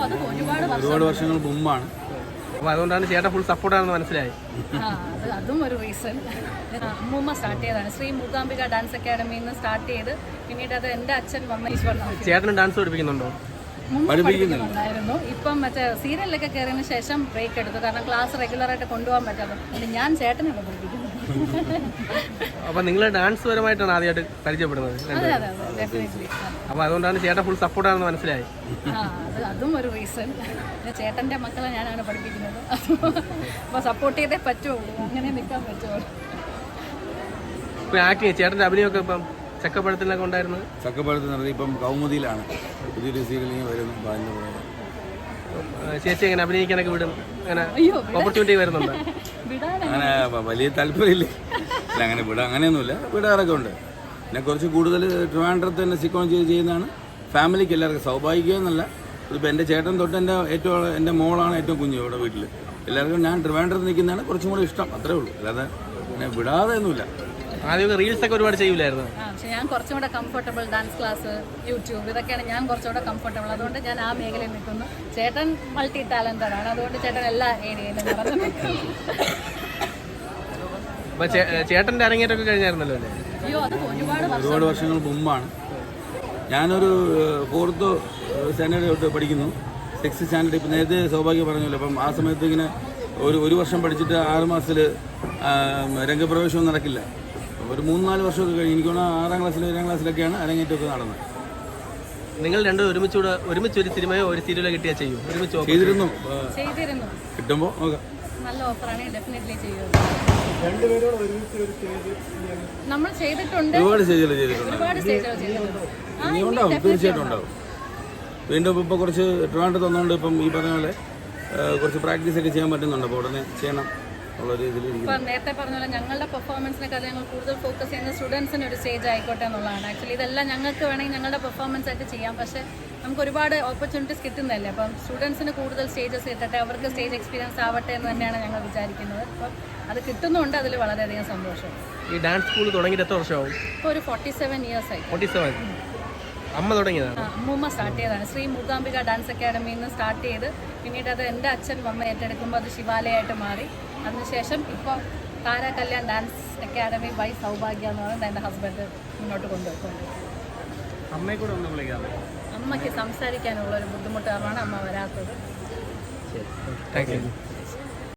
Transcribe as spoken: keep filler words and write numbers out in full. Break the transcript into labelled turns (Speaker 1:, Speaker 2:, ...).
Speaker 1: ഒരുപാട് വർഷങ്ങൾക്ക് മുമ്പാണ്.
Speaker 2: അപ്പോൾ അതുകൊണ്ടാണ് ചേട്ടൻ ഫുൾ സപ്പോർട്ടാണെന്ന് മനസ്സിലായി.
Speaker 3: അതും ഒരു റീസൺ. അമ്മൂമ്മ സ്റ്റാർട്ട് ചെയ്തതാണ്. ശ്രീ മൂകാംബിക ഡാൻസ് അക്കാഡമിയിൽ നിന്ന് സ്റ്റാർട്ട് ചെയ്ത് പിന്നീട് അത് എൻ്റെ അച്ഛൻ വന്ന ഈശ്വരൻ.
Speaker 2: ചേട്ടന് ഡാൻസ് പഠിപ്പിക്കുന്നുണ്ടോ?
Speaker 3: പഠിപ്പിക്കുന്നുണ്ടായിരുന്നു. ഇപ്പം മറ്റേ സീരിയലിലൊക്കെ കയറിയതിന് ശേഷം ബ്രേക്ക് എടുത്തു. കാരണം ക്ലാസ് റെഗുലറായിട്ട് കൊണ്ടുപോകാൻ പറ്റാതെ ഞാൻ ചേട്ടനൊക്കെ പഠിപ്പിക്കുന്നു.
Speaker 2: അപ്പോൾ നിങ്ങൾ ഡാൻസ് പരമായിട്ടാണ് ആദ്യമായിട്ട് പരിചയപ്പെടുന്നത്?
Speaker 3: അതെ അതെ അതെ ഡെഫിനറ്റ്ലി.
Speaker 2: അപ്പോൾ അതുകൊണ്ടാണ് ചേട്ടൻ ഫുൾ സപ്പോർട്ടാണെന്ന് മനസ്സിലായി.
Speaker 3: അത് അതും ഒരു റീസൺ. ചേട്ടൻ്റെ മക്കളെ ഞാനാണ് പഠിപ്പിക്കുന്നത്. അപ്പോൾ സപ്പോർട്ട് ചെയ്തേ പറ്റുള്ളൂ, അങ്ങനെ നിൽക്കാൻ പറ്റുള്ളൂ.
Speaker 2: ഇപ്പോൾ ആക്ടിങ് ചേട്ടൻ്റെ അഭിനയമൊക്കെ ഇപ്പം ചക്കപ്പഴത്തിലൊക്കെ ഉണ്ടായിരുന്നു.
Speaker 1: ചക്കപ്പഴത്തിൽ നടത്തി ഇപ്പം കൗമുദിയിലാണ് പുതിയൊരു സീരിയലിൽ വരുന്നു.
Speaker 2: ചേച്ചി എങ്ങനെ അഭിനയിക്കാനൊക്കെ വിടും? അങ്ങനെ ഓപ്പർച്യൂണിറ്റി വരുന്നുണ്ട്?
Speaker 1: അങ്ങനെ വലിയ താല്പര്യമില്ല, അങ്ങനെ വിടാം അങ്ങനെയൊന്നുമില്ല, വിടാറൊക്കെ ഉണ്ട്. പിന്നെ കുറച്ച് കൂടുതൽ ട്രിവാൻഡ്രത്ത് തന്നെ സിക്കോൺ ചെയ്ത് ചെയ്യുന്നതാണ് ഫാമിലിക്ക് എല്ലാവർക്കും. സൗഭാഗ്യം എന്നല്ല, ഇപ്പോൾ എൻ്റെ ചേട്ടൻ തൊട്ട് എൻ്റെ ഏറ്റവും എൻ്റെ മോളാണ് ഏറ്റവും കുഞ്ഞ് ഇവിടെ വീട്ടിൽ. എല്ലാവർക്കും ഞാൻ ട്രിവാൻഡ്രത്ത് നിൽക്കുന്നതാണ് കുറച്ചും കൂടി ഇഷ്ടം, അത്രേ ഉള്ളൂ. അല്ലാതെ പിന്നെ വിടാതെ ഒന്നുമില്ല.
Speaker 2: ആദ്യമൊക്കെ റീൽസ് ഒക്കെ ഒരുപാട് ചെയ്യൂലായിരുന്നു.
Speaker 3: പക്ഷെ ഞാൻ കുറച്ചും കൂടെ കംഫർട്ടബിൾ ഡാൻസ് ക്ലാസ്, യൂട്യൂബ്, ഇതൊക്കെയാണ് ഞാൻ കുറച്ചുകൂടെ കംഫർട്ടബിൾ. അതുകൊണ്ട് ഞാൻ ആ മേഖലയിൽ നിൽക്കുന്നു. ചേട്ടൻ മൾട്ടി ടാലന്റഡ് ആണ്, അതുകൊണ്ട് ചേട്ടൻ എല്ലാ ഏരിയയിലും നടന്നു നിൽക്കുന്നു.
Speaker 2: ചേട്ടൻ്റെ അരങ്ങേറ്റമൊക്കെ കഴിഞ്ഞായിരുന്നല്ലോ അല്ലേ?
Speaker 3: അയ്യോ, അത് ഒരുപാട്
Speaker 1: ഒരുപാട് വർഷങ്ങൾക്ക് മുമ്പാണ്. ഞാനൊരു ഫോർത്ത് സ്റ്റാൻഡേർഡ് തൊട്ട് പഠിക്കുന്നു, സിക്സ് സ്റ്റാൻഡേർഡ്. ഇപ്പം നേരത്തെ സൗഭാഗ്യം പറഞ്ഞല്ലോ, അപ്പം ആ സമയത്ത് ഇങ്ങനെ ഒരു ഒരു വർഷം പഠിച്ചിട്ട് ആറ് മാസത്തിൽ രംഗപ്രവേശവും നടക്കില്ല. ഒരു മൂന്ന് നാല് വർഷമൊക്കെ കഴിഞ്ഞ് എനിക്ക് തോന്നുന്നു ആറാം ക്ലാസ്സിൽ ഏഴാം ക്ലാസ്സിലൊക്കെയാണ് അരങ്ങേറ്റമൊക്കെ നടന്നത്.
Speaker 2: നിങ്ങൾ രണ്ടും ഒരുമിച്ചൂടെ ഒരുമിച്ച് ഒരു സിനിമയോ ഒരു സീരിയലോ കിട്ടിയാൽ ചെയ്യും? ഒരുമിച്ച്
Speaker 1: ചെയ്തിരുന്നു,
Speaker 3: ചെയ്തിരുന്നു.
Speaker 1: കിട്ടുമ്പോൾ നോക്കാം.
Speaker 3: നല്ല ഓഫറാണ്, ഡെഫിനറ്റ്ലി ചെയ്യും. നമ്മൾ ചെയ്തിട്ടുണ്ട്,
Speaker 1: ഒരുപാട് സ്റ്റേജുകൾ ചെയ്തിട്ടുണ്ട്.
Speaker 3: ഒരുപാട് സ്റ്റേജുകൾ ചെയ്തിട്ടുണ്ട്.
Speaker 1: ഇനി ഉണ്ടാവും, തീർച്ചയായിട്ടും ഉണ്ടാവും. വീണ്ടും ഇപ്പോൾ കുറച്ച് ട്രിവാൻഡ്രത്ത് തന്നുകൊണ്ട് ഇപ്പം ഈ പറഞ്ഞ പോലെ കുറച്ച് പ്രാക്ടീസ് ഒക്കെ ചെയ്യാൻ പറ്റുന്നുണ്ട്. അപ്പോൾ ഉടനെ ചെയ്യണം ഉള്ള രീതിയിൽ.
Speaker 3: ഇപ്പം നേരത്തെ പറഞ്ഞ പോലെ ഞങ്ങളുടെ പെർഫോമൻസിനെക്കാൾ ഞങ്ങൾ കൂടുതൽ ഫോക്കസ് ചെയ്യുന്നത് സ്റ്റുഡൻസിന് ഒരു സ്റ്റേജ് ആയിക്കോട്ടെ എന്നുള്ളതാണ്. ആക്ച്വലി ഇതെല്ലാം ഞങ്ങൾക്ക് വേണമെങ്കിൽ ഞങ്ങളുടെ പെർഫോമൻസ് ആയിട്ട് ചെയ്യാം, പക്ഷേ നമുക്ക് ഒരുപാട് ഓപ്പർച്യൂണിറ്റീസ് കിട്ടുന്നതല്ലേ. അപ്പം സ്റ്റുഡൻസിന് കൂടുതൽ സ്റ്റേജസ് കിട്ടട്ടെ, അവർക്ക് സ്റ്റേജ് എക്സ്പീരിയൻസ് ആവട്ടെ എന്ന് തന്നെയാണ് ഞങ്ങൾ വിചാരിക്കുന്നത്. അപ്പം അത് കിട്ടുന്നുണ്ട്, അതിൽ വളരെയധികം സന്തോഷം.
Speaker 2: ഈ ഡാൻസ് സ്കൂൾ തുടങ്ങിയിട്ട് എത്ര വർഷമാവും?
Speaker 3: ഇപ്പോൾ ഒരു ഫോർട്ടി സെവൻ ഇയേഴ്സ് ആയി.
Speaker 2: ഫോർട്ടി സെവൻ അമ്മ തുടങ്ങിയതാണ്?
Speaker 3: അമ്മൂമ്മ സ്റ്റാർട്ട് ചെയ്തതാണ്. ശ്രീ മൂകാംബിക ഡാൻസ് അക്കാഡമിയിൽ നിന്ന് സ്റ്റാർട്ട് ചെയ്ത് പിന്നീട് അത് എൻ്റെ അച്ഛൻ വന്ന് ഏറ്റെടുക്കുമ്പോൾ അത് ശിവാലയമായിട്ട് മാറി. അതിനുശേഷം ഇപ്പോൾ Thara Kalyan dance academy by Sowbhagya എന്ന് പറയുന്നത് എൻ്റെ ഹസ്ബൻഡ് മുന്നോട്ട് കൊണ്ടുപോയിക്കൊണ്ട്.
Speaker 2: അമ്മയെ കൂടെ ഒന്ന് വിളിക്കാതെ.
Speaker 3: അമ്മയ്ക്ക് സംസാരിക്കാനുള്ള ഒരു ബുദ്ധിമുട്ട് കാരണമാണ് അമ്മ വരാത്തത്.
Speaker 2: Thank U.